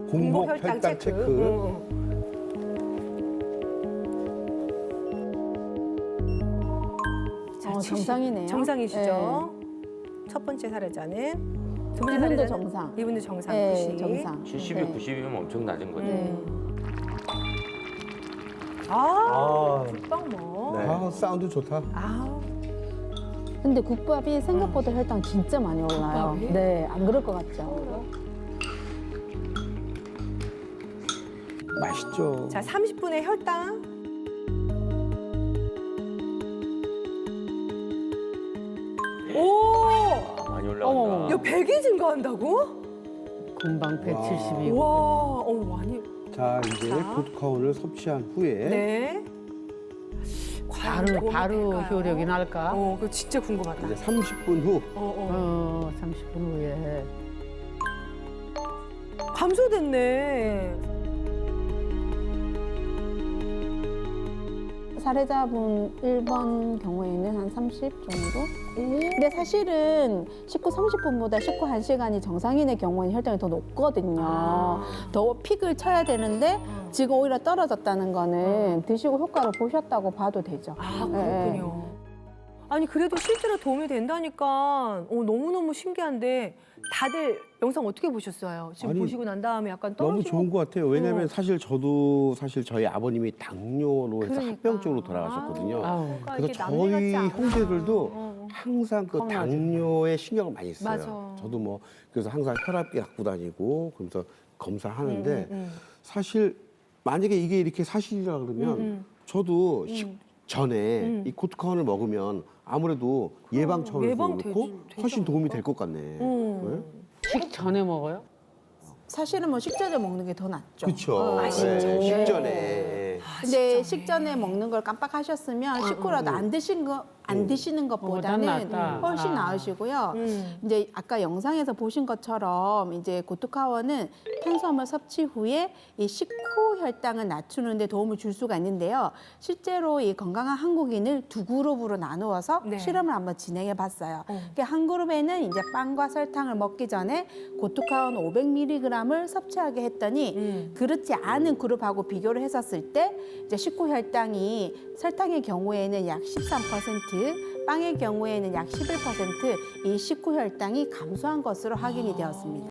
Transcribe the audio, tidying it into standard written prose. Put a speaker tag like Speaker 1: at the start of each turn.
Speaker 1: 공복 혈당 체크.
Speaker 2: 자,
Speaker 3: 정상이네요.
Speaker 2: 정상이시죠? 첫 번째 사례자는 두 번째
Speaker 3: 이분도
Speaker 2: 사례자는
Speaker 3: 정상.
Speaker 2: 이분도 정상.
Speaker 3: 네,
Speaker 2: 90.
Speaker 3: 정상.
Speaker 4: 70이
Speaker 3: 네.
Speaker 4: 90이면 엄청 낮은 거죠.
Speaker 3: 네.
Speaker 2: 아, 국밥 뭐.
Speaker 1: 네. 아, 사운드 좋다.
Speaker 2: 아,
Speaker 3: 근데 국밥이 생각보다 혈당 진짜 많이 올라요.
Speaker 2: 국밥이?
Speaker 3: 네, 안 그럴 것 같죠?
Speaker 1: 맛있죠.
Speaker 2: 자, 30분의 혈당. 오!
Speaker 4: 아, 많이
Speaker 3: 어머.
Speaker 4: 올라간다.
Speaker 2: 야, 100이 증가한다고?
Speaker 5: 금방 170이고.
Speaker 2: 와, 많이.
Speaker 1: 자, 이제
Speaker 2: 자.
Speaker 1: 고토카온을 섭취한 후에
Speaker 2: 네. 과연 도움이
Speaker 5: 바로
Speaker 2: 될까요?
Speaker 5: 효력이 날까?
Speaker 2: 그거 진짜 궁금하다.
Speaker 1: 이제 30분 후
Speaker 2: 어.
Speaker 5: 30분 후에.
Speaker 2: 감소됐네.
Speaker 3: 사례자분 1번 경우에는 한 30 정도? 근데 사실은 식후 30분보다 식후 1시간이 정상인의 경우에는 혈당이 더 높거든요. 더 픽을 쳐야 되는데 지금 오히려 떨어졌다는 거는 드시고 효과를 보셨다고 봐도 되죠.
Speaker 2: 아,
Speaker 3: 네.
Speaker 2: 그렇군요. 아니, 그래도 실제로 도움이 된다니까 너무너무 신기한데 다들 영상 어떻게 보셨어요? 지금
Speaker 1: 아니,
Speaker 2: 보시고 난 다음에 약간
Speaker 1: 너무
Speaker 2: 떨어지고.
Speaker 1: 좋은 것 같아요. 왜냐면
Speaker 2: 어.
Speaker 1: 사실 저도 저희 아버님이 당뇨로 해서
Speaker 2: 그러니까.
Speaker 1: 합병증으로 돌아가셨거든요.
Speaker 5: 아우.
Speaker 2: 그러니까
Speaker 1: 그래서
Speaker 2: 이게 남들
Speaker 1: 저희
Speaker 2: 같지 않아.
Speaker 1: 형제들도 항상 그
Speaker 5: 겁나죠.
Speaker 1: 당뇨에 신경을 많이 써요.
Speaker 2: 맞아.
Speaker 1: 저도 뭐 그래서 항상 혈압계 갖고 다니고 그러면서 검사하는데 사실 만약에 이게 이렇게 사실이라 그러면 저도 전에 이 코트카온을 먹으면 아무래도 예방 차원에서
Speaker 2: 예방되지,
Speaker 1: 그렇고
Speaker 2: 되지
Speaker 1: 훨씬 도움이
Speaker 2: 않을까?
Speaker 1: 될 것 같네. 네?
Speaker 5: 식 전에 먹어요?
Speaker 3: 사실은 뭐 식전에 먹는 게 더 낫죠.
Speaker 1: 그렇죠.
Speaker 2: 식전에.
Speaker 1: 식전에.
Speaker 3: 근데 식전에 먹는 걸 깜빡하셨으면 식후라도 안 드시는 것보다는
Speaker 5: 난 낫다.
Speaker 3: 훨씬
Speaker 5: 아.
Speaker 3: 나으시고요. 이제 아까 영상에서 보신 것처럼 이제 고토카원은 탄수화물 섭취 후에 이 식후 혈당을 낮추는 데 도움을 줄 수가 있는데요. 실제로 이 건강한 한국인을 두 그룹으로 나누어서
Speaker 2: 네.
Speaker 3: 실험을 한번 진행해 봤어요. 그러니까 한 그룹에는 이제 빵과 설탕을 먹기 전에 고토카원 500mg을 섭취하게 했더니 그렇지 않은 그룹하고 비교를 했었을 때 이제 식후 혈당이 설탕의 경우에는 약 13%, 빵의 경우에는 약 11% 이 식후 혈당이 감소한 것으로 확인이 되었습니다.